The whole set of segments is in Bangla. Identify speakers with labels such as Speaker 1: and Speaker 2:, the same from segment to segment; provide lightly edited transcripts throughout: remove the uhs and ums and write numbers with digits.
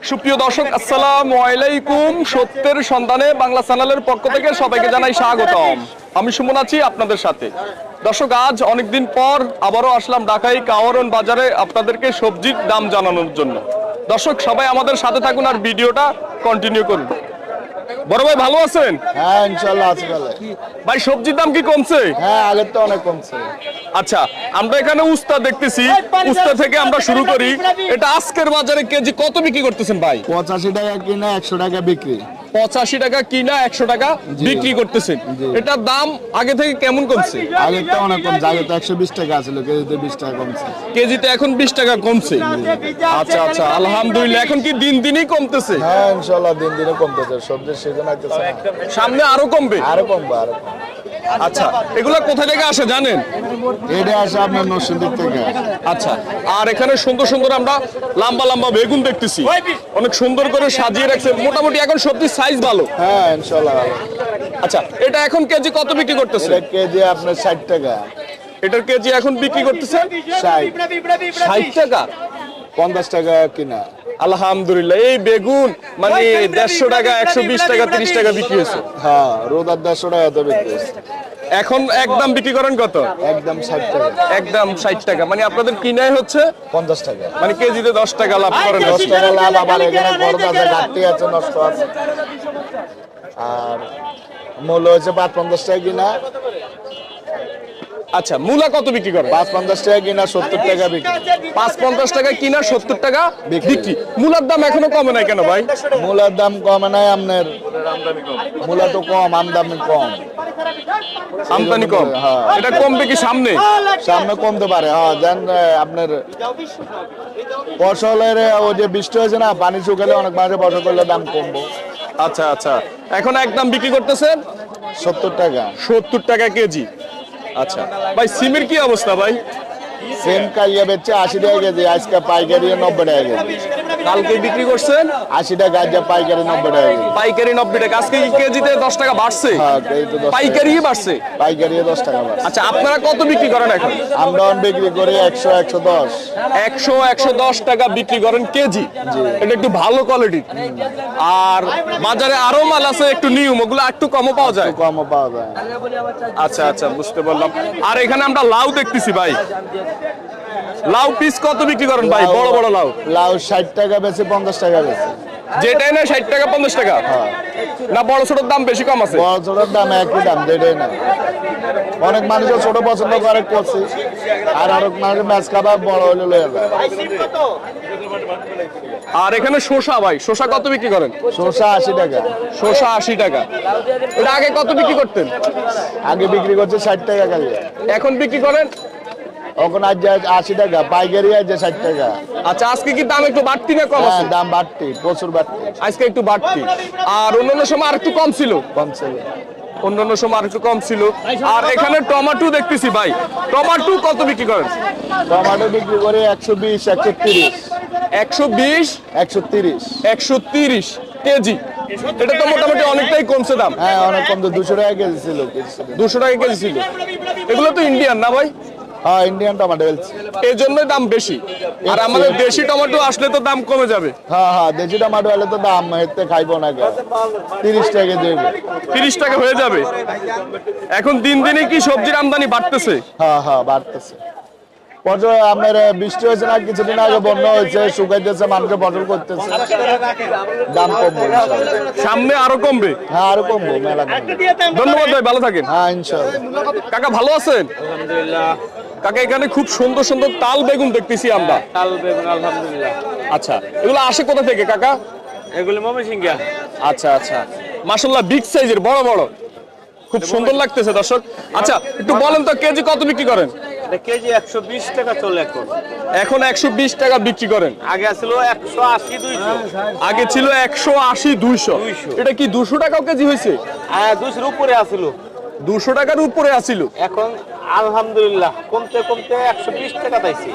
Speaker 1: সুপ্রিয় দর্শক, আসসালামু আলাইকুম। সত্যের সন্ধানে বাংলা চ্যানেলের পক্ষ থেকে সবাইকে জানাই স্বাগতম। আমি সুমন আছি আপনাদের সাথে। দর্শক, আজ অনেকদিন পর আবারও আসলাম ঢাকায় কাওয়ারন বাজারে আপনাদেরকে সবজির দাম জানানোর জন্য। দর্শক, সবাই আমাদের সাথে থাকুন আর ভিডিওটা কন্টিনিউ করুন। বড় ভাই, ভালো আছেন?
Speaker 2: হ্যাঁ, ইনশাআল্লাহ আছি ভালো।
Speaker 1: ভাই, সবজির দাম কি কমছে?
Speaker 2: হ্যাঁ, আগের তো অনেক কমছে।
Speaker 1: আচ্ছা, আমরা এখানে উস্তা দেখতেছি। উস্তা থেকে আমরা শুরু করি। এটা আজকের বাজারে কেজি কত বিক্রি করতেছেন ভাই?
Speaker 2: 85 টাকা কিনা 100 টাকা বিক্রি।
Speaker 1: 85 টাকা কিনা 100 টাকা বিক্রি করতেছেন। এটার দাম আগে থেকে কেমন কমছে?
Speaker 2: আগে তো অনেক কমছে, আগে তো 120 টাকা ছিল, কেজিতে 20 টাকা কমছে।
Speaker 1: কেজিতে এখন 20 টাকা কমছে। আচ্ছা আচ্ছা, আলহামদুলিল্লাহ। এখন কি দিন দিনই কমতেছে?
Speaker 2: হ্যাঁ, ইনশাআল্লাহ দিন দিনে কমতেছে, সবজির সিজন আইতেছে।
Speaker 1: সামনে আরো কমবে?
Speaker 2: আরো কমবে, আরো।
Speaker 1: আচ্ছা, এগুলা কোথা থেকে আসে জানেন?
Speaker 2: এটা আসে আপনার নরসিংদী থেকে।
Speaker 1: আচ্ছা, আর এখানে সুন্দর সুন্দর আমরা লম্বা লম্বা বেগুন দেখতেছি, অনেক সুন্দর করে সাজিয়ে রাখছে। মোটামুটি এখন সবজির সাইজ ভালো।
Speaker 2: হ্যাঁ, ইনশাআল্লাহ ভালো।
Speaker 1: আচ্ছা, এটা এখন কেজি কত বিক্রি করতেছে?
Speaker 2: এটা কেজি আপনার 60 টাকা।
Speaker 1: এটার কেজি এখন বিক্রি করতেছে
Speaker 2: 60
Speaker 1: টাকা।
Speaker 2: 50 টাকা কিনা।
Speaker 1: আলহামদুলিল্লাহ। এই বেগুন মানে 150 টাকা, 120 টাকা, 30 টাকা বিক্রি হয়েছে।
Speaker 2: হ্যাঁ, রোদার 150 টাকা তো বিক্রি হচ্ছে।
Speaker 1: এখন একদম বিক্রি করেন কত?
Speaker 2: একদম 60 টাকা।
Speaker 1: একদম 60 টাকা। মানে আপনাদের কিনাই হচ্ছে
Speaker 2: 50 টাকা।
Speaker 1: মানে কেজিতে 10 টাকা লাভ করেন।
Speaker 2: 10 টাকা লাভ। আবার এখানে খরচ আছে, ঘাটতি আছে, নষ্ট আছে। আর মূল্য হচ্ছে 550 টাকা কিনা।
Speaker 1: আচ্ছা, মূলা কত বিক্রি করেন?
Speaker 2: 550 টাকা কিনা, 70 টাকা বিক্রি।
Speaker 1: 550 টাকা কিনা, 70 টাকা বিক্রি। মূলার দাম এখনো কমে নাই কেন ভাই?
Speaker 2: মূলার দাম কমে নাই আপনার, মূলা তো কম, আমদানি কম।
Speaker 1: আমদানি কম।
Speaker 2: হ্যাঁ।
Speaker 1: এটা কমবে কি সামনে?
Speaker 2: সামনে কমতে পারে। হ্যাঁ, দেন আপনার ফসলের ওই যে বৃষ্টি হয়েছে না, পানি শুকালে অনেক মাঝে ফসল করলে দাম কমবো।
Speaker 1: আচ্ছা আচ্ছা, এখন একদম বিক্রি করতেছেন
Speaker 2: 70 টাকা।
Speaker 1: 70 টাকা কেজি। আচ্ছা ভাই, সিমের কি অবস্থা ভাই?
Speaker 2: সেম কালিয়া বেচছে 80 টাকা কেজি, আজকে পাইকারি 90 টাকা কেজি।
Speaker 1: কালকে বিক্রি করছেন
Speaker 2: 80 টাকা, আজকে পাইকারি 90 টাকা কেজি।
Speaker 1: পাইকারি 90 টাকা। আজকে কি কেজিতে 10 টাকা বাড়ছে?
Speaker 2: হ্যাঁ, কেজিতে 10 টাকা।
Speaker 1: পাইকারি বাড়ছে।
Speaker 2: পাইকারি 10 টাকা বাড়ছে।
Speaker 1: আচ্ছা, আপনারা কত বিক্রি করেন এখন?
Speaker 2: আমরা বিক্রি করি 100, 110।
Speaker 1: 100, 110 টাকা বিক্রি করেন কেজি। এটা একটু ভালো কোয়ালিটির। আর বাজারে আরো মাল আছে একটু নিয়ম, ওগুলো একটু কমও পাওয়া যায়।
Speaker 2: কমও পাওয়া যায়।
Speaker 1: আচ্ছা আচ্ছা, বুঝতে পারলাম। আর এখানে আমরা লাউ দেখতেছি ভাই। লাউ পিস কত বিক্রি করেন ভাই? বড় বড় লাউ।
Speaker 2: লাউ 60 টাকা বেশি, 50 টাকা বেশি।
Speaker 1: যেটাই না 60 টাকা 50 টাকা? না বড় ছোটর দাম বেশি কম আছে?
Speaker 2: বড় ছোটোর দাম একই দাম, যেটাই না। অনেক মানুষ ছোট পছন্দ করে, করছি। আর অনেক মানুষ ম্যাচ খাবার বড় হলে লয়ে যায়।
Speaker 1: আর এখানে শসা ভাই, শসা কত বিক্রি করেন?
Speaker 2: শসা 80 টাকা।
Speaker 1: শসা 80 টাকা। এটা আগে কত বিক্রি করতেন?
Speaker 2: আগে বিক্রি করছে 60 টাকা কালি।
Speaker 1: এখন বিক্রি করেন?
Speaker 2: এখন আজ 80 টাকা, পাইকারি আছে 60 টাকা।
Speaker 1: আচ্ছা, আজকে কি দাম একটু বাড়তি না কম
Speaker 2: হ্যাঁ,
Speaker 1: আছে?
Speaker 2: দাম বাড়তি, প্রচুর বাড়তি।
Speaker 1: আজকে একটু বাড়তি। আর অন্যান্য সময় আর একটু কম ছিল?
Speaker 2: কমছে।
Speaker 1: অন্যান্য সময় আর একটু কম ছিল। আর এখানে টমেটো দেখতেছি ভাই। টমেটো কত বিক্রি করেন?
Speaker 2: টমেটো বিক্রি করে 120, 130।
Speaker 1: 120,
Speaker 2: 130।
Speaker 1: 130 কেজি। এটা তো মোটামুটি অনেকটাই কমছে দাম।
Speaker 2: হ্যাঁ, অনেক কম তো, 200 টাকা কেজি ছিল।
Speaker 1: 200 টাকা কেজি ছিল। এগুলো তো ইন্ডিয়ান না ভাই?
Speaker 2: হ্যাঁ, ইন্ডিয়ান টমেটো বলছি।
Speaker 1: এই জন্যই দাম বেশি। আর আমাদের দেশি টমেটো আসলে তো দাম কমে যাবে।
Speaker 2: হ্যাঁ হ্যাঁ, দেশি টমেটো হলে তো দাম এতে খাইবো না, 30 টাকা দেবে।
Speaker 1: 30 টাকা হয়ে যাবে। এখন দিন দিনে কি সবজির আমদানি বাড়তেছে?
Speaker 2: হ্যাঁ হ্যাঁ, বাড়তেছে। ফসল আপনার বৃষ্টি হয়েছে না, কিছুদিন আগে বন্যা হয়েছে, শুকাইতেছে, মানুষের ফসল করতেছে, দাম কমবে ইনশাআল্লাহ।
Speaker 1: সামনে আরো কমবে?
Speaker 2: হ্যাঁ, আরো কমবে, মেলা কমবে।
Speaker 1: ধন্যবাদ ভাই, ভালো থাকেন।
Speaker 2: হ্যাঁ, ইনশাআল্লাহ।
Speaker 1: কাকা ভালো আছেন?
Speaker 3: আলহামদুলিল্লাহ।
Speaker 1: কাকা, এখানে খুব সুন্দর সুন্দর তাল বেগুন দেখতেছি আমরা।
Speaker 3: তাল বেগুন আলহামদুলিল্লাহ।
Speaker 1: আচ্ছা, এগুলো আসে কোথা থেকে কাকা?
Speaker 3: এগুলি ময়মনসিংহ।
Speaker 1: আচ্ছা আচ্ছা, মাশাআল্লাহ বিগ সাইজের, বড় বড়, খুব সুন্দর লাগতেছে দর্শক। আচ্ছা, একটু বলেন তো কেজি কত বিক্রি করেন?
Speaker 3: এটা কেজি 120 টাকা চলে এখন।
Speaker 1: এখন 120 টাকা বিক্রি করেন।
Speaker 3: আগে ছিল 180, 200।
Speaker 1: আগে ছিল 180, 200। এটা কি 200 টাকাও কেজি হয়েছে?
Speaker 3: হ্যাঁ, 200 উপরে আসিল।
Speaker 1: 200 টাকার উপরে আসিল।
Speaker 3: এখন আলহামদুলিল্লাহ কমতে কমতে 120 টাকা পাইছি।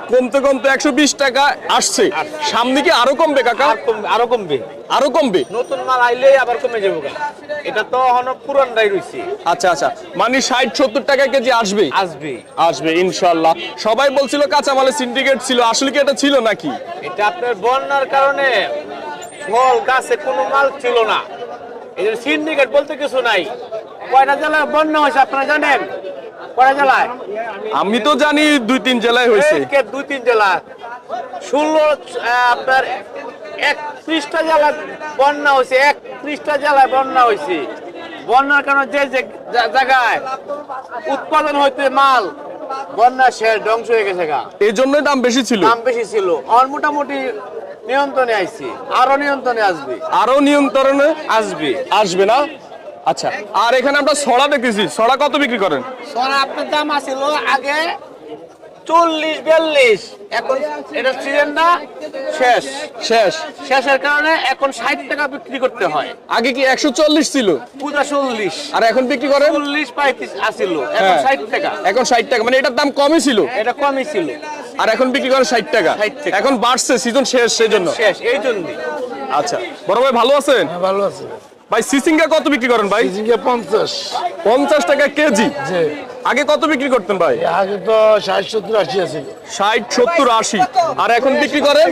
Speaker 1: কমতে কমতে 120 টাকা আসছে, সামনে কি আরো কমবে কাকা?
Speaker 3: আরো কমবে,
Speaker 1: আরো কমবে।
Speaker 3: নতুন মাল আইলেই আবার কমে যাবো গা। এটা তো এখনো পুরানটাই রয়েছে।
Speaker 1: আচ্ছা আচ্ছা, মানে 60-70 টাকা কেজি আসবে?
Speaker 3: আসবে
Speaker 1: আসবে ইনশাআল্লাহ। সবাই বলছিল কাঁচামালের সিন্ডিকেট ছিল, আসলে কি এটা ছিল নাকি?
Speaker 3: এটা আপনার বন্যার কারণে ফল গাছে কোনো মাল ছিল না, এই জন্য সিন্ডিকেট বলতে কিছু নাই। কয়টা জেলায় বন্যা হয়েছে আপনারা জানেন? কয়টা জেলায়?
Speaker 1: আমি তো জানি 2-3 জেলায় হয়েছে।
Speaker 3: 2-3 জেলা, 16 আপনার 31টা জেলা বন্যা হয়েছে। 31টা জেলায় বন্যা হয়েছে। বন্যার কারণে যে যে জায়গায় উৎপাদন হইতে মাল বন্যা শেষ, ধ্বংস হয়ে গেছে গা।
Speaker 1: এই জন্যই দাম বেশি ছিল।
Speaker 3: দাম বেশি ছিল, আর মোটামুটি নিয়ন্ত্রণে আইছে, আরো নিয়ন্ত্রণে আসবে।
Speaker 1: আরো নিয়ন্ত্রণে
Speaker 3: আসবে
Speaker 1: আসবে না? আচ্ছা, আর এখানে আমরা ছড়া দেখতেছি, ছড়া কত বিক্রি করেন?
Speaker 3: সোনা আপনার দাম আছিল আগে 40-42, এখন এটা সিজন না শেষ,
Speaker 1: শেষ।
Speaker 3: শেষের কারণে এখন 60 টাকা বিক্রি করতে হয়।
Speaker 1: আগে কি 140 ছিল?
Speaker 3: পূজা 40,
Speaker 1: আর এখন বিক্রি করেন
Speaker 3: 40-35 আসিল, এখন
Speaker 1: হ্যাঁ।
Speaker 3: 60 টাকা।
Speaker 1: এখন 60 টাকা, মানে এটার দাম কমই ছিল,
Speaker 3: এটা কমই ছিল,
Speaker 1: আর এখন বিক্রি করেন 60 টাকা।
Speaker 3: 60 টাকা।
Speaker 1: এখন বাড়ছে, সিজন শেষ সেই জন্য।
Speaker 3: শেষ এই জন্যই।
Speaker 1: আচ্ছা, বড় ভাই ভালো আছেন?
Speaker 2: ভালো আছে।
Speaker 1: ভাই সিসিঙ্গা কত বিক্রি করেন ভাই?
Speaker 2: 50।
Speaker 1: 50 টাকা কেজি।
Speaker 2: জি,
Speaker 1: আগে কত বিক্রি করতেন ভাই?
Speaker 2: আগে তো 60-70-80 আছে।
Speaker 1: 60-70-80, আর এখন বিক্রি করেন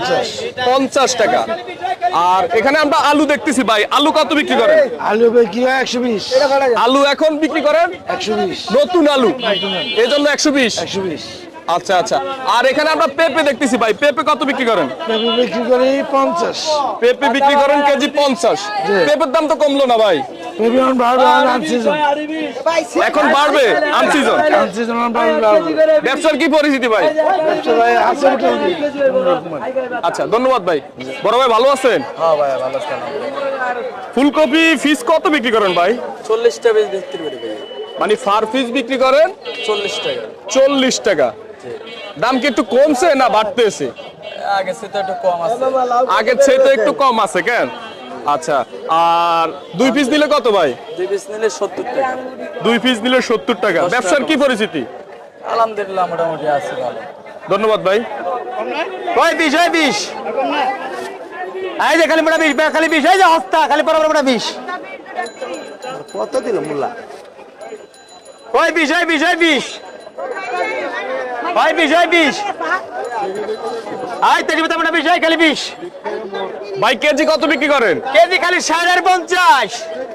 Speaker 1: 50 টাকা। আর এখানে আমরা আলু দেখতেছি ভাই, আলু কত বিক্রি করেন?
Speaker 2: আলু বিক্রি হয় 120।
Speaker 1: আলু এখন বিক্রি করেন
Speaker 2: 120।
Speaker 1: নতুন আলু, এই জন্য 120।
Speaker 2: 120।
Speaker 1: আচ্ছা আচ্ছা, আর এখানে আমরা পেঁপে দেখতেছি ভাই, পেঁপে কত বিক্রি করেন?
Speaker 2: পেঁপে বিক্রি করি 50।
Speaker 1: পেঁপে বিক্রি করেন কেজি 50। পেঁপের দাম তো কমলো না ভাই।
Speaker 2: পেঁপে এখন বাড়বে, আনসিজন।
Speaker 1: এখন বাড়বে আনসিজন।
Speaker 2: আনসিজন বাড়বে।
Speaker 1: ব্যবসার কি পরিস্থিতি ভাই?
Speaker 2: ব্যবসা ভাই আছে মোটামুটি।
Speaker 1: আচ্ছা, ধন্যবাদ ভাই। বড় ভাই ভালো আছেন?
Speaker 2: হ্যাঁ ভাই ভালো আছে।
Speaker 1: ফুলকপি ফিস কত বিক্রি করেন ভাই?
Speaker 4: 40 টাকা বিক্রি করে ভাই।
Speaker 1: মানে ফার পিস বিক্রি করেন
Speaker 4: 40 টাকা।
Speaker 1: 40 টাকা। দাম কি একটু কমছে না বাড়তেছে?
Speaker 4: আগে সে তো একটু কম আছে।
Speaker 1: আগের চেয়ে তো একটু কম আছে কেন? আচ্ছা, আর 2 পিস দিলে কত ভাই?
Speaker 4: 2 পিস নিলে 70 টাকা।
Speaker 1: 2 পিস দিলে 70 টাকা। ব্যবসার কি পরিস্থিতি?
Speaker 4: আলহামদুলিল্লাহ মোটামুটি আছে ভালো।
Speaker 1: ধন্যবাদ ভাই।
Speaker 3: ওই 20 এই যে খালি মোটা 20, খালি 20, এই যে হস্তা খালি বড় মোটা 20। কত দিল মোল্লা? ওই 20 ওই 20 আই তেরি মোটা মোটা 20, এই খালি 20
Speaker 1: ভাই কেজি কত বিক্রি করেন?
Speaker 3: কেজি খালি 50।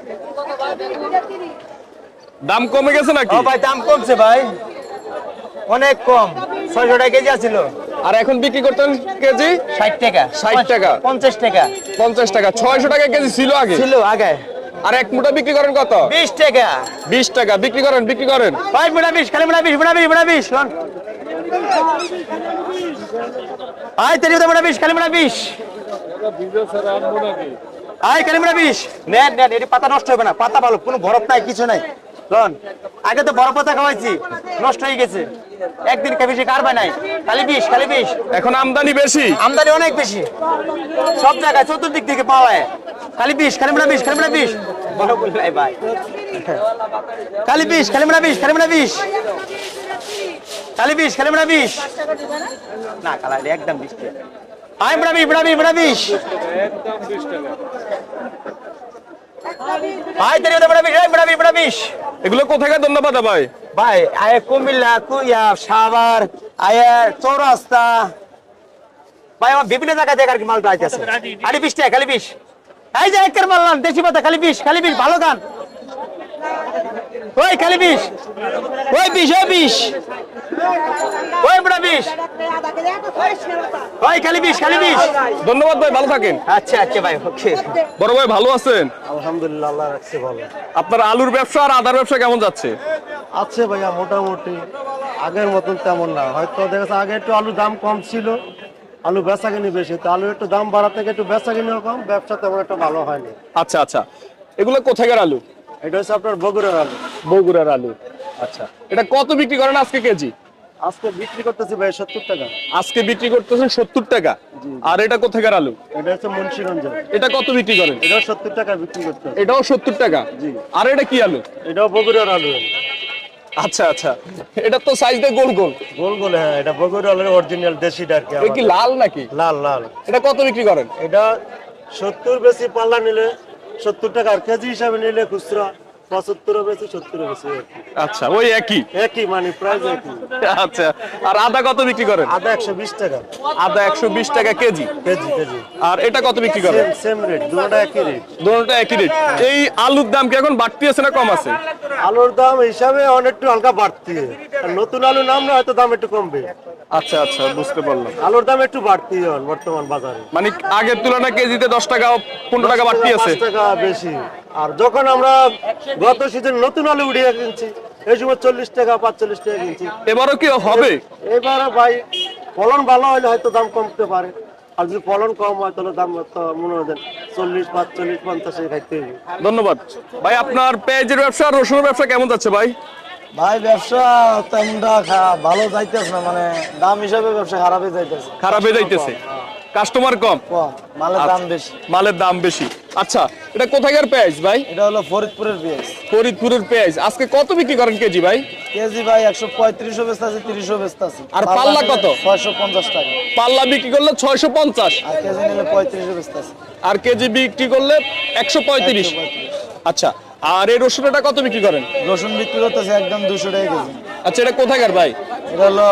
Speaker 1: দাম কমে গেছে নাকি?
Speaker 3: ও ভাই দাম কমছে ভাই, অনেক কম। 600 টাকা কেজি আছিল,
Speaker 1: আর এখন বিক্রি করতেন কেজি
Speaker 3: 60 টাকা
Speaker 1: 60 টাকা
Speaker 3: 50 টাকা
Speaker 1: 50 টাকা। 600 টাকা কেজি ছিল আগে।
Speaker 3: ছিল আগে।
Speaker 1: আর এক মুঠা বিক্রি করেন কত?
Speaker 3: 20 টাকা।
Speaker 1: 20 টাকা বিক্রি করেন, বিক্রি করেন।
Speaker 3: ভাই মোটা 20, খালি মোটা 20 লন। আই তেরি মোটা 20, খালি মোটা 20। আই খালি মোটা 20 নেন এটি পাতা নষ্ট হবে না, পাতা ভালো, কোনো বরফ নাই, কিছু নাই। লন, আগে তো বড় পাতা খাওয়াইছি, নষ্ট হয়ে গেছে, একদিন বেশি কারবা নাই। খালি 20
Speaker 1: এখন আমদানি বেশি।
Speaker 3: আমদানি অনেক বেশি, সব জায়গায় চতুর্দিক থেকে পাওয়া যায়। খালি 20, খালি মোটা 20 বড় বললাই ভাই। খালি 20, খালি মোটা 20 না কালা একদম 20 টাকা। আই মোটা 20 আই তেরি মোটা 20
Speaker 1: এগুলো কোথাকার ধন্যবাদ ভাই?
Speaker 3: ভাই আয় কুমিল্লা, কুইয়া, সাভার, আয় চৌরাস্তা, ভাই আমার বিভিন্ন জায়গা থেকে আর কি মালটা আইতেছে। খালি 20 টাকা, খালি 20। এই যে একের মাল দেশি পাতা, খালি 20 ভালো গান। ওই খালি 20 ওই মোটা 20 ওই খালি 20
Speaker 1: ধন্যবাদ ভাই, ভালো থাকেন।
Speaker 3: আচ্ছা ভাই, ওকে।
Speaker 1: বড় ভাই ভালো আছেন?
Speaker 3: আলহামদুলিল্লাহ, আল্লাহ রাখছে ভালো।
Speaker 1: আপনার আলুর ব্যবসা আর আদার ব্যবসা কেমন যাচ্ছে?
Speaker 5: আছে ভাইয়া মোটামুটি, আগের মতন তেমন না। হয়তো দেখা যাচ্ছে আগে একটু আলুর দাম কম ছিল, আলু বেচা কিনি বেশি, তো আলু একটু দাম বাড়া থেকে একটু বেচা কিনিও কম, ব্যবসা তেমন একটা ভালো হয়নি।
Speaker 1: আচ্ছা আচ্ছা, এগুলো কোথাকার আলু?
Speaker 5: এটা হচ্ছে আপনার বগুড়ার আলু।
Speaker 1: বগুড়ার আলু। আচ্ছা, এটা কত বিক্রি করেন আজকে কেজি?
Speaker 5: আজকে বিক্রি করতেছি ভাই 70 টাকা।
Speaker 1: আজকে বিক্রি করতেছেন 70 টাকা। আর এটা কোথাকার আলু?
Speaker 5: এটা হচ্ছে মুন্সিগঞ্জের।
Speaker 1: এটা কত বিক্রি করেন?
Speaker 5: এটাও 70 টাকা বিক্রি করতে হবে।
Speaker 1: এটাও 70 টাকা।
Speaker 5: জি।
Speaker 1: আর এটা কি আলু?
Speaker 5: এটাও বগুড়ার আলু।
Speaker 1: আচ্ছা আচ্ছা, এটা তো সাইজ দিয়ে গোল গোল।
Speaker 5: গোল গোল, হ্যাঁ, এটা বগুড়ালের অরিজিনাল দেশিটা আর কি।
Speaker 1: এটা কি
Speaker 5: আমাদের।
Speaker 1: লাল নাকি?
Speaker 5: লাল লাল।
Speaker 1: এটা কত বিক্রি করেন?
Speaker 5: এটা 70 বেশি, পাল্লা নিলে 70 টাকা, আর কেজি হিসাবে নিলে খুচরা 75 বেশি, 70 বেশি আর কি।
Speaker 1: আচ্ছা, ওই একই।
Speaker 5: একই মানে প্রাইস একই।
Speaker 1: আচ্ছা, আর আদা কত বিক্রি করেন?
Speaker 5: আদা 120 টাকা
Speaker 1: আদা 120 টাকা কেজি।
Speaker 5: KG KG.
Speaker 1: আর এটা কত বিক্রি করেন?
Speaker 5: সেম রেট, দুটোটা একই রেট।
Speaker 1: দুটোটা একই রেট। এই আলুর দাম কি এখন বাড়তি আছে না কম আছে?
Speaker 5: আলুর দাম হিসাবে অনেকটু হালকা বাড়তি, আর নতুন আলু নামলে হয়তো দাম একটু কমবে।
Speaker 1: আচ্ছা আচ্ছা, বুঝতে পারলাম।
Speaker 5: আলুর দাম একটু বাড়তি এখন বর্তমান বাজারে,
Speaker 1: মানে আগের তুলনায় কেজিতে 10 টাকা 15 টাকা বাড়তি আছে।
Speaker 5: 5 টাকা বেশি। আর যখন আমরা গত সিজন নতুন আলু উঠিয়ে কিনছি, এই সময় 40 টাকা 45 টাকা কিনছি।
Speaker 1: এবারও কি হবে?
Speaker 5: এবারে ভাই ফলন ভালো হলে হয়তো দাম কমতে পারে, আর যদি ফলন কম হয় তাহলে দাম তো মনে হয় 40 45 50 খাইতে হবে।
Speaker 1: ধন্যবাদ ভাই। আপনার পেঁয়াজের ব্যবসা আর রসুনের ব্যবসা কেমন যাচ্ছে ভাই?
Speaker 4: ভাই ব্যবসা তেমনটা ভালো যাইতেছে না, মানে দাম হিসাবে ব্যবসা খারাপই যাইতেছে।
Speaker 1: খারাপ হয়ে যাইতেছে, কাস্টমার কম,
Speaker 4: কম, মালের দাম বেশি।
Speaker 1: মালের দাম বেশি। আচ্ছা, এটা কোথাকার পেঁয়াজ ভাই?
Speaker 4: এটা হলো ফরিদপুরের পেঁয়াজ।
Speaker 1: ফরিদপুরের পেঁয়াজ। আজকে কত বিক্রি করেন কেজি ভাই?
Speaker 4: কেজি ভাই 135 বেচতে আছে, 30 বেচতে আছে।
Speaker 1: আর পাল্লা কত?
Speaker 4: 650 টাকা।
Speaker 1: পাল্লা বিক্রি করলে 650,
Speaker 4: আর কেজি নিলে 35 বেচতে আছে।
Speaker 1: আর কেজি বিক্রি করলে 135। আচ্ছা, আর এই রসুনটা কত বিক্রি করেন?
Speaker 4: রসুন বিক্রি করতেছে একদম 200 টাকা কেজি।
Speaker 1: আচ্ছা, এটা কোথাকার ভাই?
Speaker 4: এটা হলো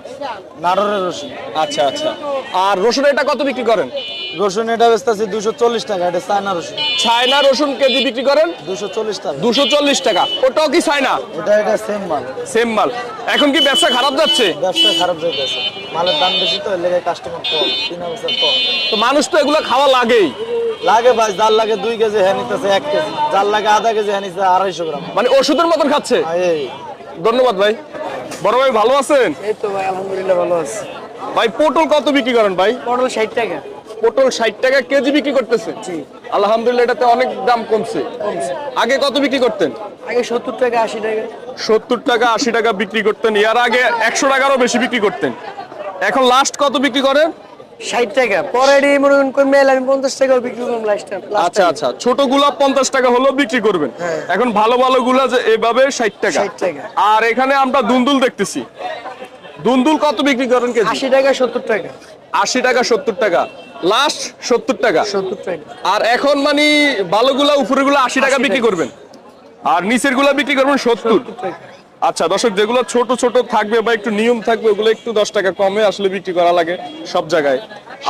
Speaker 4: নাটোরের রসুন।
Speaker 1: আচ্ছা আচ্ছা, আর রসুন এটা কত বিক্রি করেন?
Speaker 4: রসুন এটা বেচতে আছে 240 টাকা। এটা চায়না রসুন।
Speaker 1: চায়না রসুন কেজি বিক্রি করেন
Speaker 4: 240 টাকা।
Speaker 1: 240 টাকা। ওটাও কি চায়না?
Speaker 4: এটা সেম মাল।
Speaker 1: সেম মাল। এখন কি ব্যবসা খারাপ যাচ্ছে?
Speaker 4: ব্যবসা খারাপ যাইতেছে, মালের দাম বেশি তো, এর লেগে কাস্টমার কম, কিনা বেচা কম।
Speaker 1: তো মানুষ তো এগুলো খাওয়া লাগেই।
Speaker 4: লাগে ভাই, যার লাগে 2 কেজি হ্যাঁ নিতেছে 1 কেজি, যার লাগে আধা কেজি হ্যাঁ নিতেছে 250 গ্রাম।
Speaker 1: মানে ওষুধের মতন খাচ্ছে।
Speaker 4: এই
Speaker 1: ধন্যবাদ ভাই। বড় ভাই ভালো আছেন?
Speaker 3: এই তো ভাই আলহামদুলিল্লাহ ভালো আছে।
Speaker 1: ভাই পটল কত বিক্রি করেন ভাই?
Speaker 3: পটল 60 টাকা।
Speaker 1: পটল 60 টাকা কেজি বিক্রি করতেছে। আলহামদুলিল্লাহ, এটাতে অনেক দাম কমছে। আগে কত বিক্রি করতেন?
Speaker 3: আগে 70 টাকা 80 টাকা।
Speaker 1: 70 টাকা 80 টাকা বিক্রি করতেন। এর আগে 100 টাকারও বেশি বিক্রি করতেন। এখন লাস্ট কত বিক্রি করেন?
Speaker 3: 60 টাকা। পরে মনে করেন মেল আমি 50 টাকা বিক্রি করলাম লাস্ট।
Speaker 1: আচ্ছা আচ্ছা, ছোট গুলা 50 টাকা হলো বিক্রি করবেন। এখন ভালো ভালো গুলা যে এভাবে 60 টাকা।
Speaker 3: 60 টাকা।
Speaker 1: আর এখানে আমরা দুন্দুল দেখতেছি। দুন্দুল কত বিক্রি করেন কেজি?
Speaker 3: 80 টাকা 70 টাকা।
Speaker 1: 80 টাকা 70 টাকা, লাস্ট 70 টাকা।
Speaker 3: 70 টাকা।
Speaker 1: আর এখন মানে ভালোগুলা উপরেগুলো 80 টাকা বিক্রি করবেন, আর নিচের গুলা বিক্রি করবেন 70
Speaker 3: টাকা।
Speaker 1: আচ্ছা দর্শক, যেগুলো ছোট ছোট থাকবে বা একটু নিয়ম থাকবে ওগুলো একটু 10 টাকা কমে আসলে বিক্রি করা লাগে সব জায়গায়।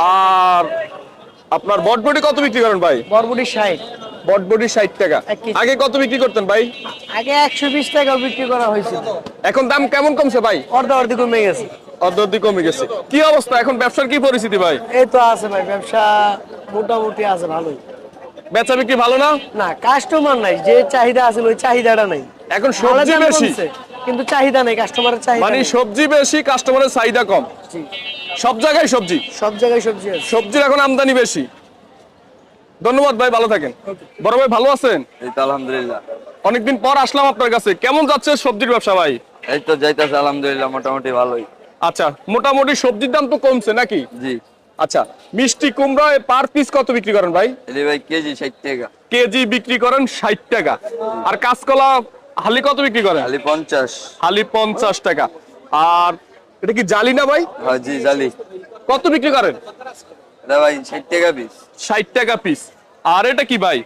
Speaker 1: আর আপনার বটবটি কত বিক্রি করেন ভাই?
Speaker 3: বরবটি 60।
Speaker 1: বটবটি 60 টাকা।
Speaker 3: 1 কেজি।
Speaker 1: আগে কত বিক্রি করতেন ভাই?
Speaker 3: আগে 120 টাকা বিক্রি করা হয়েছিল।
Speaker 1: এখন দাম কেমন কমছে ভাই?
Speaker 3: অর্ধেক কমে গেছে।
Speaker 1: অর্ধেক কমে গেছে। কি অবস্থা এখন ব্যবসার, কি পরিস্থিতি ভাই?
Speaker 3: এই তো আছে ভাই, ব্যবসা মোটামুটি আছে ভালোই।
Speaker 1: বেচা বিক্রি ভালো না?
Speaker 3: না, কাস্টমার নাই, যে চাহিদা আছে ওই চাহিদাটা নাই।
Speaker 1: এখন
Speaker 3: মালের
Speaker 1: সবজি
Speaker 3: দাম
Speaker 1: বেশি,
Speaker 3: কমছে, কিন্তু চাহিদা নেই, কাস্টমারের চাহিদা
Speaker 1: মানে
Speaker 3: নেই।
Speaker 1: সবজি বেশি, কাস্টমারের চাহিদা কম।
Speaker 3: জি।
Speaker 1: সব জায়গায় সবজি,
Speaker 3: সব জায়গায় সবজি আছে।
Speaker 1: সবজির এখন আমদানি বেশি। ধন্যবাদ ভাই, ভালো থাকেন। বড় ভাই ভালো আছেন?
Speaker 6: এই তো আলহামদুলিল্লাহ।
Speaker 1: অনেকদিন পর আসলাম আপনার কাছে। কেমন যাচ্ছে সবজির ব্যবসা ভাই?
Speaker 6: এই তো যাইতেছে আলহামদুলিল্লাহ, মোটামুটি ভালোই।
Speaker 1: আচ্ছা, মোটামুটি সবজির দাম তো কমছে নাকি?
Speaker 6: জি।
Speaker 1: আচ্ছা, মিষ্টি কুমড়া পার পিস কত বিক্রি করেন ভাই?
Speaker 6: এই ভাই কেজি 60 টাকা।
Speaker 1: কেজি বিক্রি করেন 60 টাকা। আর কাঁচকলা হালি কত বিক্রি করেন?
Speaker 6: খালি 50।
Speaker 1: হালি 50 টাকা। আর এটা কি জালি না ভাই?
Speaker 6: হ্যাঁ জি জালি।
Speaker 1: কত বিক্রি করেন?
Speaker 6: এটা ভাই 60 টাকা পিস।
Speaker 1: 60 টাকা পিস। আর এটা কি ভাই?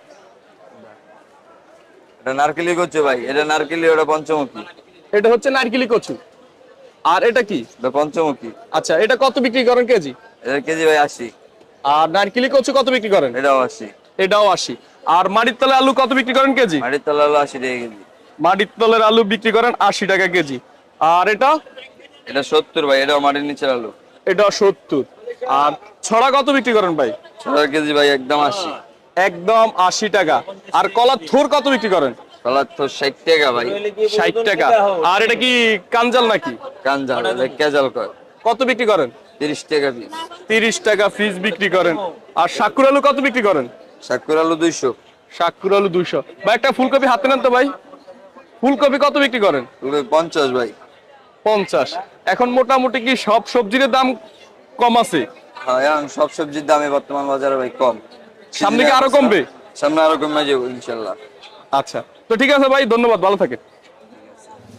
Speaker 6: এটা নারকেলি করছে ভাই, এটা নারকেলি, ওটা পঞ্চমুখী।
Speaker 1: এটা হচ্ছে নারকেলি কচু। আর এটা কি?
Speaker 6: এটা পঞ্চমুখী।
Speaker 1: আচ্ছা, এটা কত বিক্রি করেন কেজি?
Speaker 6: এটা কেজি ভাই 80।
Speaker 1: আর নারকেলি কচু কত বিক্রি করেন?
Speaker 6: এটাও 80।
Speaker 1: এটাও 80। আর মাটির তলে আলু কত বিক্রি করেন কেজি?
Speaker 6: মাটির তলা হলো 80 টাকা কেজি।
Speaker 1: মাটির তলের আলু বিক্রি করেন 80 টাকা কেজি। আর এটা?
Speaker 6: এটা 70 ভাই, এটাও মাটির নিচের আলু।
Speaker 1: এটা 70। আর ছড়া কত বিক্রি করেন ভাই?
Speaker 6: 6 কেজি ভাই একদম 80।
Speaker 1: একদম 80 টাকা। আর কলার থোর কত বিক্রি করেন?
Speaker 6: কলার তো 60 টাকা ভাই।
Speaker 1: 60 টাকা। আর এটা কি কাঞ্জাল নাকি?
Speaker 6: কাঞ্জাল, এটা কেজাল কয়।
Speaker 1: কত বিক্রি করেন?
Speaker 6: 30 টাকা পিস।
Speaker 1: 30 টাকা পিস বিক্রি করেন। আর শাকুর আলু কত বিক্রি করেন?
Speaker 6: শাকুর আলু 200।
Speaker 1: শাকুর আলু 200। ভাই একটা ফুলকপি হাতে নেন তো ভাই। ফুলকপি কত বিক্রি করেন?
Speaker 6: 50 ভাই।
Speaker 1: 50। এখন মোটামুটি কি সব সবজির দাম কম আছে?
Speaker 6: হ্যাঁ, এখন সব সবজির দামে বর্তমান বাজারে ভাই কম।
Speaker 1: সামনে কি আরো কমবে?
Speaker 6: সামনে আরো কমে যাবে ইনশাল্লাহ।
Speaker 1: আচ্ছা, তো ঠিক আছে ভাই, ধন্যবাদ, ভালো থাকেন।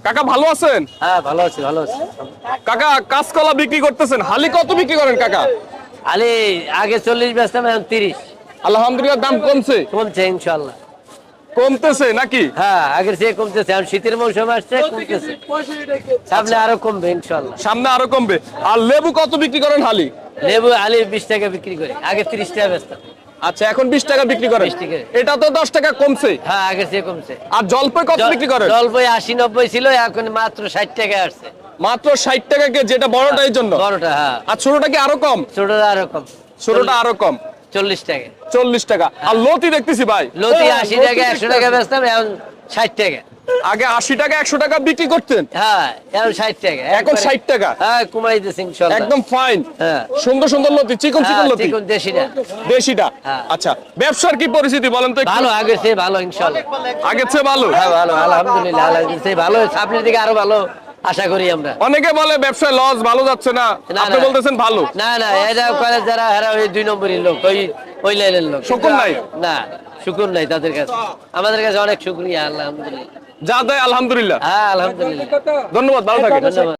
Speaker 1: কাকা ভালো আছেন?
Speaker 3: হ্যাঁ ভালো আছি ভালো আছি।
Speaker 1: কাকা কাঁচকলা বিক্রি করতেছেন, হালি কত বিক্রি করেন কাকা?
Speaker 3: আরে আগে 40 বেচতাম, এখন 30
Speaker 1: আলহামদুলিল্লাহ দাম কমছে।
Speaker 3: কমছে ইনশাল্লাহ।
Speaker 1: কমতেছে নাকি?
Speaker 3: হ্যাঁ আগের চেয়ে কমতেছে, এখন শীতের মৌসুম আসছে, কমতেছে। সামনে আরো কমবে ইনশাল্লাহ।
Speaker 1: সামনে আরো কমবে। আর লেবু কত বিক্রি করেন হালি?
Speaker 3: লেবু আলি 20 টাকা বিক্রি করি, আগে 30 টাকা বেচতাম।
Speaker 1: আচ্ছা এখন 20 টাকা বিক্রি করেন।
Speaker 3: 20 টাকা।
Speaker 1: এটা তো 10 টাকা কমছে।
Speaker 3: হ্যাঁ আগের চেয়ে কমছে।
Speaker 1: আর জলপাই কত বিক্রি করেন?
Speaker 3: জলপাই 80-90 ছিল, এখন মাত্র 60 টাকা আসছে।
Speaker 1: মাত্র 60 টাকা কে, যেটা বড়টা এই জন্য।
Speaker 3: বড়টা হ্যাঁ।
Speaker 1: আর ছোটটা কি আরো কম?
Speaker 3: ছোটটা আরো কম,
Speaker 1: ছোটটা আরো কম,
Speaker 3: 40 টাকা।
Speaker 1: 40 টাকা। আর লতি দেখতেছি ভাই,
Speaker 3: লতি 80 টাকা 100 টাকা বেচতাম, এখন 60 টাকা।
Speaker 1: আগে 80 টাকা 100 টাকা বিক্রি করতেন,
Speaker 3: হ্যাঁ এখন 60 টাকা।
Speaker 1: এখন 60 টাকা।
Speaker 3: হ্যাঁ কমাই দিয়েছে ইনশাল্লাহ।
Speaker 1: একদম ফাইন।
Speaker 3: হ্যাঁ।
Speaker 1: সুন্দর সুন্দর লতি, চিকন চিকন
Speaker 3: হ্যাঁ,
Speaker 1: লতি,
Speaker 3: চিকন দেশিটা
Speaker 1: দেশিটা।
Speaker 3: হ্যাঁ।
Speaker 1: আচ্ছা ব্যবসার কি পরিস্থিতি বলেন তো একটু?
Speaker 3: ভালো, আগের চেয়ে ভালো ইনশাল্লাহ।
Speaker 1: আগের চেয়ে ভালো।
Speaker 3: হ্যাঁ ভালো আলহামদুলিল্লাহ, আগের চেয়ে ভালো, সামনের দিকে আরো ভালো আশা করি আমরা।
Speaker 1: অনেকে বলে ব্যবসায় লস, ভালো যাচ্ছে না,
Speaker 3: না,
Speaker 1: আপনি
Speaker 3: না।
Speaker 1: বলতেছেন ভালো।
Speaker 3: না না, এটা করে যারা হেরা ওই 2 নম্বরই লোক, ওই লাইনের লোক।
Speaker 1: শুকুর নাই?
Speaker 3: না শুকুর নাই তাদের কাছে, আমাদের কাছে অনেক শুকরিয়া আলহামদুলিল্লাহ।
Speaker 1: যা দেয় আলহামদুলিল্লাহ।
Speaker 3: হ্যাঁ আলহামদুলিল্লাহ।
Speaker 1: ধন্যবাদ, ভালো থাকেন।
Speaker 3: ধন্যবাদ।